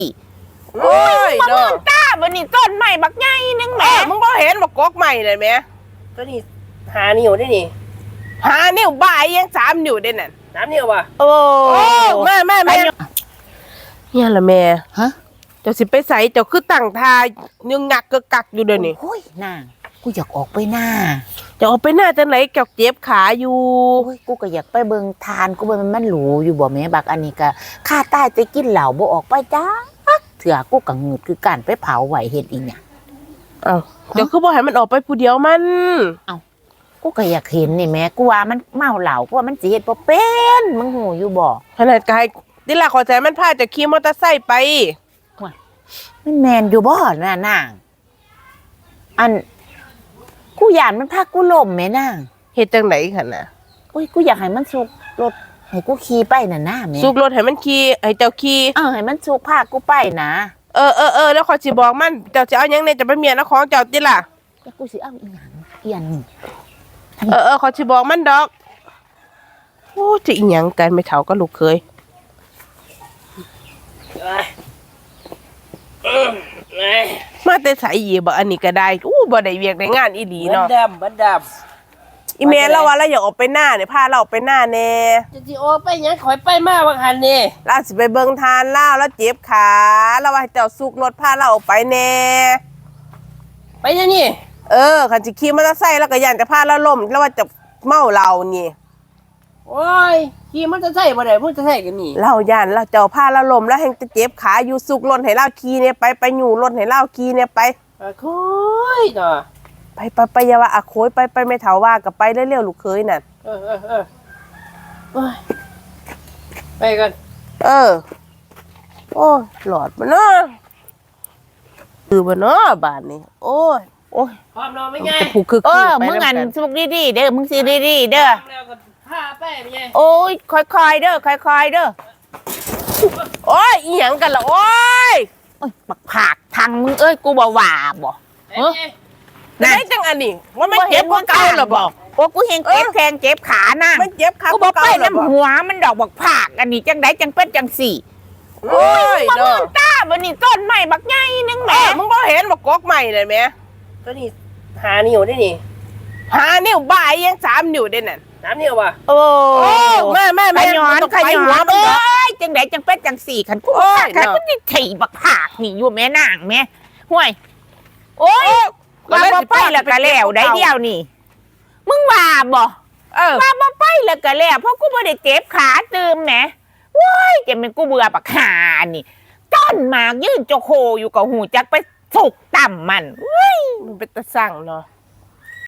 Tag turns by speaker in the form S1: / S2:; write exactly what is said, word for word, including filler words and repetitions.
S1: โอ้ย
S2: มะม่
S1: เด้อ
S2: วงต้าบันนี้ต้นใหม่บักใหญ่นึงแห
S1: เอ
S2: ม่
S1: อมึงบ่เห็นบักกอกใหม่เลยไหม
S3: ตัวนี้หานิ้วได้นี่
S1: หานิ้วบ่ายยังสามนิ้วได้นั่น
S3: น้ำนิ้วป่ะ
S2: โอ้
S1: โอ้แม่แม่แม่เนี่ยละแม่
S4: ฮะ
S1: เจ้าสิไปใส่เจ้าคือตั้งทายึงงักกึกกักอยู่เดี๋ยวนี้
S4: โอ้ยนางกูอยากออกไปหน้า
S1: เจะออกไปหน้าจังไหนเจ้าเจ็บขาอยู่
S4: โอ้ยกูก็อยากไปเบิงทานกูว่ามันมันหรูอยู่บ่แม่บักอันนี้ก็ข้าใต้ไปกินเหล้าบ่ออกไปจ้าเถื่อกูก็งืดคือการไปเผาไหวเฮ็ดอีหยัง
S1: เอ้าเดี๋ยวคือบ่ให้มันออกไปผู้เดียวมัน
S4: กูก็อยากเห็นนี่แม่กูว่ามันเมาเหล้ากูว่ามันสิเฮ็ดบ่เป็นมึงหูอยู่บ่
S1: ขนาดกายนี่ล่ะขอใจมันพาเจะขี่มอเตอร์ไซค์ไป
S4: มันแม่นอยู่บ่น่ะนางอันกูย่านมันพากูล้มแม่นาง
S1: เฮ็ดจังไหนคั่นน่ะ
S4: โอ้ยกูอยากให้มันสุกรถให้กูขี่ไปน่ะนะแม่
S1: สุกรถให้มันขี่ให้เจ้าขี่
S4: เออให้มันสุกพากูไปนะ
S1: เออเออเออแล้วขอยสิบอกมันเจ้าสิเอาหยังเนี่ยจะเป็นเมียนะของเจ้าติล่ะ
S4: แล้วกูสิเอาอีหยังเอียน
S1: เออเออขอยสิบอกมันดอกโอ้จะอีหยังกันไม่เฒ่าก็ลูกเคย
S3: เอ้ยเอ้ยเอ้ย
S1: มาแต่ไสอีบ่อันนี้ก็ได้อู้บ่ได้เวียกได้งานอีหลี
S3: เหมือน
S1: เนาะ
S3: ดำเหมือนด
S1: อีแม่เราว่าเราอยากออกไปหน้าเนี่ยพาเราออกไปหน้าแน่
S3: ำจะจีโอไปยังขอยไปมาบางหันนี่
S1: เราสิไปเบิ่งทานเล่าแล้วเจ็บขาแล้วว่าให้เจ้าสุกรถพาเราออกไปแน่
S3: ไปยังนี่
S1: เออคันสิขี่มอเตอร์ไซค์แล้วก็ย่านจะพาเราล้มแล้วว่าจะเมาเรานี่
S3: โอ้ยขี่มันจะใส่บ่ได้มันจะใส่กันนี่
S1: เราย่านเราเจ้าพาเราล้มแล้วแห่งจะเจ็บขาอยู่สุกรถให้เราขี่เนี่ยไปไปอยู่รถให้เราขี่เนี่ยไป
S3: อ่ะคุยเนาะ
S1: ไปไปไปอย่าว่าอะโคยไปไปไม่เถาว่ากับไปเร็วๆลูกเคยน่ะ
S3: เออเออเออโอ้ยไปกัน
S1: เออโอ้ยหลอดมาเนาะคือบ่เนาะบ้านนี้โอ้ยโอ้ย
S3: พร้อมนอนไหมไง
S1: จะผูกคือ
S4: เอ
S1: คือ
S4: อ
S1: ไป
S4: มึง
S1: แล้ว
S4: อัน
S1: กัน
S4: สุกดีๆเด้อมึงสิดีๆเด้อ
S3: แล้วก็พาไปไหมไง
S4: โอ้ยค่อยๆเด้อค่อยๆเด้อ
S1: โอ้ยอีหยังกันล่ะโอ้ย
S4: โอ้ยบักผากทางมึงเอ้ยกูบ่ว่าบ่
S3: เอ้ย
S1: ไหนจังอันนี้ว่ามันเจ็บกว่าเก่าหรอบอก
S4: โอ้กูเห็นเจ็บแทงเจ็บขานั่ง
S1: มันเจ็บขา
S4: กู
S1: ก
S4: บ่
S1: ว่า
S4: ไป
S1: เก่าหรอบอก
S4: น้ำหัวมันดอกบักผากอันนี้จังไดจังเป็นจังสี่
S1: โอ้ย
S2: มะม่
S1: เด้
S2: ว
S1: อง
S2: ต้าบันนี้ต้นใหม่บักใหญ่นึงแห
S1: เอ
S2: ม่
S1: อมึงบ่เห็นบักกอกใหม่เลยไหม
S3: ตัวนี้หานิ้วได้นี่
S1: หานิ้วบ่ายยังสามนิ้วได้นั่น
S3: น้ำนิ้วป่ะ
S4: โอ้
S1: โอ้แม่แม่
S4: ข
S1: แม่
S4: ย้อน
S1: ต้อง
S4: ข
S1: ไป
S4: ย้
S1: หั
S4: อ
S1: วน มัน
S4: เอ้
S1: เนาะ
S4: ยจังไดจังเป็นจังสี่คันกู
S1: โอ้ย
S4: คัน
S1: เนาะ
S4: กูนี่ถีบักผากนี่อยู่แม่นางแม่ห่วยโอ้ย
S1: ก็
S4: ว่า
S1: เลย
S4: บ่
S1: สิ
S4: ไปแล้วก็แล้วได้เดียวนี่ มึงว่าบ่
S1: เออ
S4: ว่าบ่ไปแล้วก็แล้วเพราะกูบ่ได้เจ็บขาตืมแหมว้ายจะเป็นกูเบื่อบักหานี่ต้นหมากยืนโจโคอยู่กับหูจักไปสุกต่ำมัน
S1: มันเป็นตะสั่งเนาะ